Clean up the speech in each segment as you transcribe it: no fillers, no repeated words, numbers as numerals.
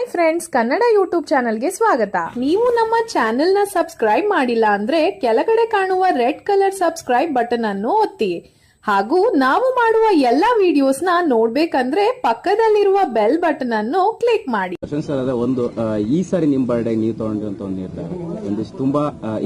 Hi friends, Kannada YouTube ಚಾನಲ್ಗೆ ಸ್ವಾಗತ. ನೀವು ನಮ್ಮ ಚಾನೆಲ್ ನ ಸಬ್ಸ್ಕ್ರೈಬ್ ಮಾಡಿಲ್ಲ ಅಂದ್ರೆ ಕೆಳಗಡೆ ಕಾಣುವ ರೆಡ್ ಕಲರ್ ಸಬ್ಸ್ಕ್ರೈಬ್ ಬಟನ್ ಅನ್ನು ಒತ್ತಿ. ಹಾಗೂ ನಾವು ಮಾಡುವ ಎಲ್ಲಾ ವಿಡಿಯೋಸ್ ನ ನೋಡ್ಬೇಕಂದ್ರೆ ಪಕ್ಕದಲ್ಲಿರುವ ಬೆಲ್ ಬಟನ್ ಅನ್ನು ಕ್ಲಿಕ್ ಮಾಡಿ. ಸರ್, ಅದೇ ಒಂದು ಈ ಸಾರಿ ನಿಮ್ ಬರ್ಡೇ ನೀವು ತಗೊಂಡಿರಂತ ಒಂದು ನಿರ್ಧಾರ ಒಂದಿಷ್ಟು ತುಂಬಾ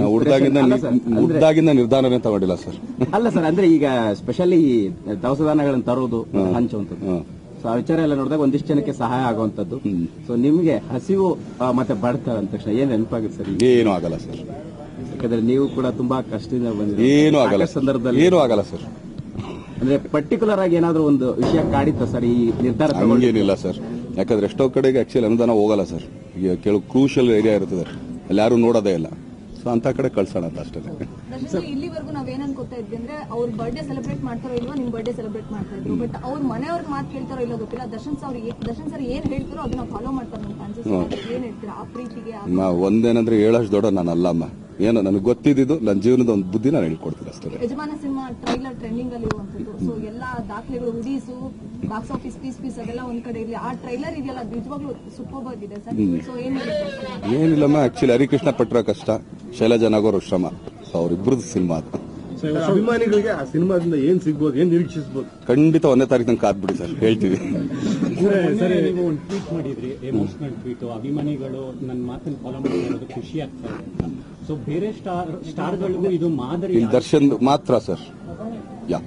ಹುಡ್ದಾಗಿಂದ ನಿರ್ಧಾರನೇ ತಗೊಂಡಿಲ್ಲ ಸರ್. ಅಲ್ಲ ಸರ್, ಅಂದ್ರೆ ಈಗ ಸ್ಪೆಷಲಿ ದವಸ ಧಾನ್ಯಗಳನ್ನು ತರೋದು, ಹಂಚುವಂಥದ್ದು, ಸೊ ಆ ವಿಚಾರ ಎಲ್ಲ ನೋಡಿದಾಗ ಒಂದಿಷ್ಟು ಜನಕ್ಕೆ ಸಹಾಯ ಆಗುವಂತದ್ದು. ಸೊ ನಿಮ್ಗೆ ಹಸಿವು ಮತ್ತೆ ಬಡತ ಅಂದ ತಕ್ಷಣ ಏನ್ ನೆನಪಾಗುತ್ತೆ ಸರ್? ಏನೂ ಆಗಲ್ಲ ಸರ್, ಯಾಕಂದ್ರೆ ನೀವು ಕೂಡ ತುಂಬಾ ಕಷ್ಟದಿಂದ ಬಂದಿದ್ದೀರಿ. ಏನೂ ಆಗಲ್ಲ ಸಂದರ್ಭದಲ್ಲಿ ಏನೂ ಆಗಲ್ಲ ಸರ್. ಅಂದ್ರೆ ಪರ್ಟಿಕ್ಯುಲರ್ ಆಗಿ ಏನಾದ್ರು ಒಂದು ವಿಷಯ ಕಾಡಿತ್ತ ಸರ್ ಈ ನಿರ್ಧಾರ? ಹಂಗೇನಿಲ್ಲ ಸರ್, ಯಾಕಂದ್ರೆ ಎಷ್ಟೋ ಕಡೆಗೆ ಆಕ್ಚುಲಿ ಅನುದಾನ ಹೋಗಲ್ಲ ಸರ್. ಈಗ ಕೆಲವು ಕ್ರೂಷಿಯಲ್ ಏರಿಯಾ ಇರ್ತದೆ, ಅಲ್ಲಿ ಯಾರು ನೋಡೋದೇ ಇಲ್ಲ. ಸೊ ಅಂತ ಕಡೆ ಕಳ್ಸೋಣ ಅಂತ ಅಷ್ಟೇ. ಇಲ್ಲಿವರೆಗೂ ನಾವೇನ್ ಅನ್ಕೋತಾ ಇದ್ವಿ ಅಂದ್ರೆ ಅವ್ರ ಬರ್ಡೇ ಸೆಲೆಬ್ರೇಟ್ ಮಾಡ್ತಾರೋ ಇಲ್ವೋ, ನಿಮ್ ಬರ್ಡೇ ಸೆಲೆಬ್ರೇಟ್ ಮಾಡ್ತಾ ಇದ್ರು. ಬಟ್ ಅವ್ರ ಮನೆಯವ್ರಿಗೆ ಮಾತು ಕೇಳ್ತಾರೋ ಇಲ್ಲೋ ಗೊತ್ತಿಲ್ಲ. ದರ್ಶನ್ ಸರ್ ಏನ್ ಹೇಳ್ತಾರೋ ಅದನ್ನ ಫಾಲೋ ಮಾಡ್ತಾರೆ ಅಂತ ಅನ್ಸುತ್ತೆ. ಏನ್ ಹೇಳ್ತೀರಾ ಆ ಪ್ರೀತಿಗೆ? ಒಂದೇನಂದ್ರೆ ಹೇಳಷ್ಟು ದೊಡ್ಡ ನಾನು ಅಲ್ಲಮ್ಮ. ಏನೋ ನನಗೆ ಗೊತ್ತಿದ್ದು ನನ್ನ ಜೀವನದ ಒಂದು ಬುದ್ಧಿ ನಾನು ಹೇಳ್ಕೊಡ್ತೀನಿ ಅಷ್ಟೇ. ಯಜಮಾನ ಸಿನಿಮಾ ಟ್ರೈಲರ್ ಟ್ರೆಂಡಿಂಗ್ ಅಲ್ಲಿ ಇರುವಂತದ್ದು. ಸೊ ಎಲ್ಲಾ ದಾಖಲೆಗಳು, ಹುಡೀಸು, ಬಾಕ್ಸ್ ಆಫೀಸ್ ಪೀಸ್ ಅದೆಲ್ಲ ಒಂದ್ ಕಡೆ ಇರಲಿ. ಆ ಟ್ರೈಲರ್ ಇದೆಯಲ್ಲ, ನಿಜವಾಗ್ಲೂ ಸೂಪರ್ ಆಗಿದೆ ಸರ್. ಸೊ ಏನಿಲ್ಲಮ್ಮ, ಆಕ್ಚುಲಿ ಹರಿಕೃಷ್ಣ ಪಟ್ರ ಕಷ್ಟ, ಶೈಲಜಾ ನಾಗೋರ್ ಶ್ರಮ, ಅವ್ರಿಬ್ರದ್ದು ಸಿನಿಮಾ ಅದು. ಅಭಿಮಾನಿಗಳಿಗೆ ಆ ಸಿನಿಮಾದಿಂದ ಏನ್ ಸಿಗ್ಬೋದು, ಏನ್ ನಿರೀಕ್ಷಿಸಬಹುದು? ಖಂಡಿತ 1ನೇ ತಾರೀಕು ನಂಗೆ ಕಾದ್ಬಿಡಿ ಸರ್, ಹೇಳ್ತೀವಿ. ನೀವು ಒಂದು ಟ್ವೀಟ್ ಮಾಡಿದ್ರಿ, ಎಮೋಷನಲ್ ಟ್ವೀಟ್. ಅಭಿಮಾನಿಗಳು ನನ್ನ ಮಾತನ್ನು ಫಾಲೋ ಮಾಡಿರೋದು ಖುಷಿ ಆಗ್ತಾ ಇದೆ. ಸೊ ಬೇರೆ ಸ್ಟಾರ್ಗಳಿಗೂ ಇದು ಮಾದರಿ. ದರ್ಶನ್ ಮಾತ್ರ ಸರ್. ಯಾ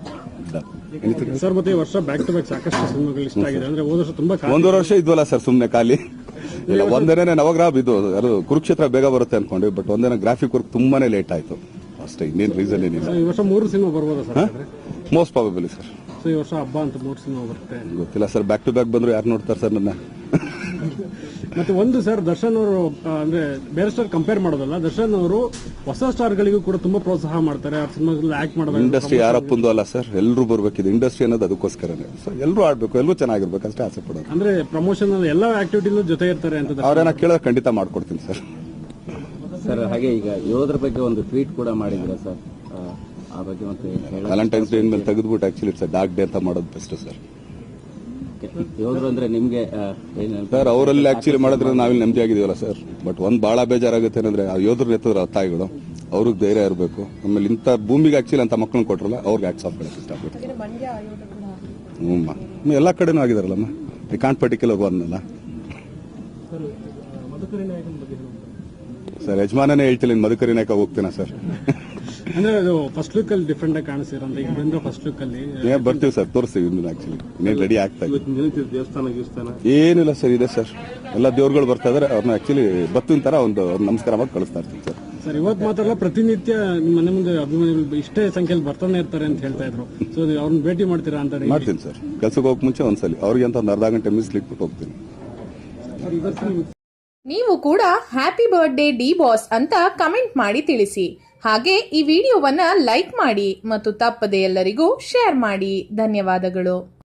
ಸರ್, ಮತ್ತೆ ಈ ವರ್ಷ ಬ್ಯಾಕ್ ಟು ಬ್ಯಾಕ್ ಸಾಕಷ್ಟು ಸಿನಿಮಾಗಳು ಇಷ್ಟ ಆಗಿದೆ. ಅಂದ್ರೆ ಹೋದ ವರ್ಷ ತುಂಬಾ ಒಂದೂವರೆ ವರ್ಷ ಇದ್ವಲ್ಲ ಸರ್ ಸುಮ್ನೆ ಖಾಲಿ. ಇಲ್ಲ, ಒಂದೇನೆ ನವಗ್ರಹ ಇದು ಅದು ಕುರುಕ್ಷೇತ್ರ ಬೇಗ ಬರುತ್ತೆ ಅನ್ಕೊಂಡ್ವಿ. ಬಟ್ ಒಂದೇನ ಗ್ರಾಫಿಕ್ ವರ್ಕ್ ತುಂಬಾನೇ ಲೇಟ್ ಆಯ್ತು ಅಷ್ಟೇ, ಇನ್ನೇನು ರೀಸನ್ ಏನಿಲ್ಲ. ಈ ವರ್ಷ 3 ಸಿನಿಮಾ ಬರ್ಬೋದಾ sir? Most probably sir. So ಈ ವರ್ಷ ಹಬ್ಬ ಅಂತ 3 ಸಿನಿಮಾ ಬರುತ್ತೆ. ಗೊತ್ತಿಲ್ಲ ಸರ್, ಬ್ಯಾಕ್ ಟು ಬ್ಯಾಕ್ ಬಂದ್ರು ಯಾರು ನೋಡ್ತಾರೆ ಸರ್ ನನ್ನ? ಮತ್ತೆ ಒಂದು ಸರ್, ದರ್ಶನ್ ಅವರು ಅಂದ್ರೆ ಬೇರೆ ಸ್ಟಾರ್ ಕಂಪೇರ್ ಮಾಡೋದಲ್ಲ, ದರ್ಶನ್ ಅವರು ಹೊಸ ಸ್ಟಾರ್ಗಳಿಗೂ ಕೂಡ ತುಂಬಾ ಪ್ರೋತ್ಸಾಹ ಮಾಡ್ತಾರೆ. ಆ ಸಿನಿಮಾಗಳಲ್ಲಿ ಆಕ್ಟ್ ಮಾಡೋದು. ಇಂಡಸ್ಟ್ರಿ ಯಾರಪ್ಪಂದು ಅಲ್ಲ ಸರ್, ಎಲ್ಲರೂ ಬರ್ಬೇಕಿದೆ. ಇಂಡಸ್ಟ್ರಿ ಅನ್ನೋದು ಅದಕ್ಕೋಸ್ಕರನೇ. ಸೊ ಎಲ್ಲರೂ ಆಡ್ಬೇಕು, ಎಲ್ಲರೂ ಚೆನ್ನಾಗಿರ್ಬೇಕು ಅಷ್ಟೇ ಆಸೆ ಪಡೋದು. ಅಂದ್ರೆ ಪ್ರಮೋಷನ್ ಎಲ್ಲಾ ಆಕ್ಟಿವಿಟಿನೂ ಜೊತೆ ಇರ್ತಾರೆ ಅಂತ ಅವ್ರೇನ ಕೇಳೋದು ಖಂಡಿತ ಮಾಡ್ಕೊಡ್ತೀನಿ ಸರ್. ಸರ್, ಹಾಗೆ ಈಗ ಯೋಧರ ಬಗ್ಗೆ ಒಂದು ಟ್ವೀಟ್ ಕೂಡ ಮಾಡಿದ್ರೆ ಸರ್, ಆ ಬಗ್ಗೆ ಮತ್ತೆ ವ್ಯಾಲೆಂಟೈನ್ಸ್ ಡೇ ಮೇಲೆ ತೆಗೆದ್ಬಿಟ್ಟು ಆಕ್ಚುಲಿ ಇಟ್ಸ್ ಡಾರ್ಕ್ ಡೇ ಅಂತ ಮಾಡೋದು ಬೆಸ್ಟ್ ಸರ್. ಯೋಧರು ಅಂದ್ರೆ ನಿಮ್ಗೆ ಸರ್, ಅವರಲ್ಲಿ ಆಕ್ಚುಲಿ ಮಾಡಿದ್ರೆ ನಾವಿಲ್ಲಿ ನೆಮ್ಮದಿ ಆಗಿದೀವಲ್ಲ ಸರ್. ಬಟ್ ಒಂದ್ ಬಹಳ ಬೇಜಾರಾಗುತ್ತೆ ಏನಂದ್ರೆ ಆ ಯೋಧರು ಎತ್ತಿದ್ರ ತಾಯಿಗಳು, ಅವ್ರಿಗೆ ಧೈರ್ಯ ಇರಬೇಕು. ಆಮೇಲೆ ಇಂಥ ಭೂಮಿಗೆ ಆಕ್ಚುಲಿ ಅಂತ ಮಕ್ಕಳನ್ನ ಕೊಟ್ರಲ್ಲ, ಅವ್ರಿಗೆ ಆಕ್ಟ್ಸ್ ಆಫ್ ಮಾಡಕ್ಕೆ ಇಷ್ಟಪಟ್ಟು. ಎಲ್ಲಾ ಕಡೆನೂ ಆಗಿದಾರಲ್ಲಮ್ಮ, ಈ ಕಾಂಟ್ ಪರ್ಟಿಕ್ಯುಲರ್ ಅನ್ನಲ್ಲ ಸರ್. ಯಜಮಾನನೇ ಹೇಳ್ತಿಲ್ಲ, ಮಧುಕರಿ ನಾಯಕ ಹೋಗ್ತೀನ ಸರ್. ಅಂದ್ರೆ ಅದು ಫಸ್ಟ್ ಲುಕ್ ಅಲ್ಲಿ ಡಿಫ್ರೆಂಟ್ ಆಗಿ ಕಾಣಿಸ್ತೀರ ಅಂತ. ಈಗ ಬಂದ್ರೆ ಫಸ್ಟ್ ಲುಕ್ ಅಲ್ಲಿ ಬರ್ತೀವಿ ಸರ್, ತೋರಿಸ್ತೀವಿ. ಇನ್ನು ಆಕ್ಚುಲಿ ಇನ್ನೇನು ರೆಡಿ ಆಗ್ತಾ ಇದೆ. ದೇವಸ್ಥಾನ ಏನಿಲ್ಲ ಸರ್, ಇದೆ ಸರ್. ಎಲ್ಲ ದೇವ್ರುಗಳು ಬರ್ತಾ ಇದಾರೆ. ಅವ್ರನ್ನ ಆಕ್ಚುಲಿ ಬತ್ತಿನ ತರ ಒಂದು ನಮಸ್ಕಾರ ಮಾಡಿ ಕಳಿಸ್ತಾ ಇರ್ತೀವಿ ಸರ್. ಸರ್, ಇವತ್ತು ಮಾತ್ರ ಪ್ರತಿನಿತ್ಯ ನಿಮ್ಮ ಮನೆ ಮುಂದೆ ಅಭಿಮಾನಿಗಳು ಇಷ್ಟೇ ಸಂಖ್ಯೆಯಲ್ಲಿ ಬರ್ತಾನೆ ಇರ್ತಾರೆ ಅಂತ ಹೇಳ್ತಾ ಇದ್ರು. ಸೊ ಅವ್ರನ್ನ ಭೇಟಿ ಮಾಡ್ತೀರಾ ಅಂತ? ಮಾಡ್ತೀನಿ ಸರ್, ಕೆಲ್ಸಕ್ಕೆ ಹೋಗಕ್ ಮುಂಚೆ ಒಂದ್ಸಲಿ ಅವ್ರಿಗೆ ಅಂತ ಒಂದು ಅರ್ಧ ಗಂಟೆ ಮಿಸ್ಲಿಕ್ಬಿಟ್ಟು ಹೋಗ್ತೀನಿ. ನೀವು ಕೂಡ ಹ್ಯಾಪಿ ಬರ್ತ್ಡೇ ಡಿ ಬಾಸ್ ಅಂತ ಕಮೆಂಟ್ ಮಾಡಿ ತಿಳಿಸಿ. ಹಾಗೆ ಈ ವಿಡಿಯೋವನ್ನ ಲೈಕ್ ಮಾಡಿ ಮತ್ತು ತಪ್ಪದೆ ಎಲ್ಲರಿಗೂ ಶೇರ್ ಮಾಡಿ. ಧನ್ಯವಾದಗಳು.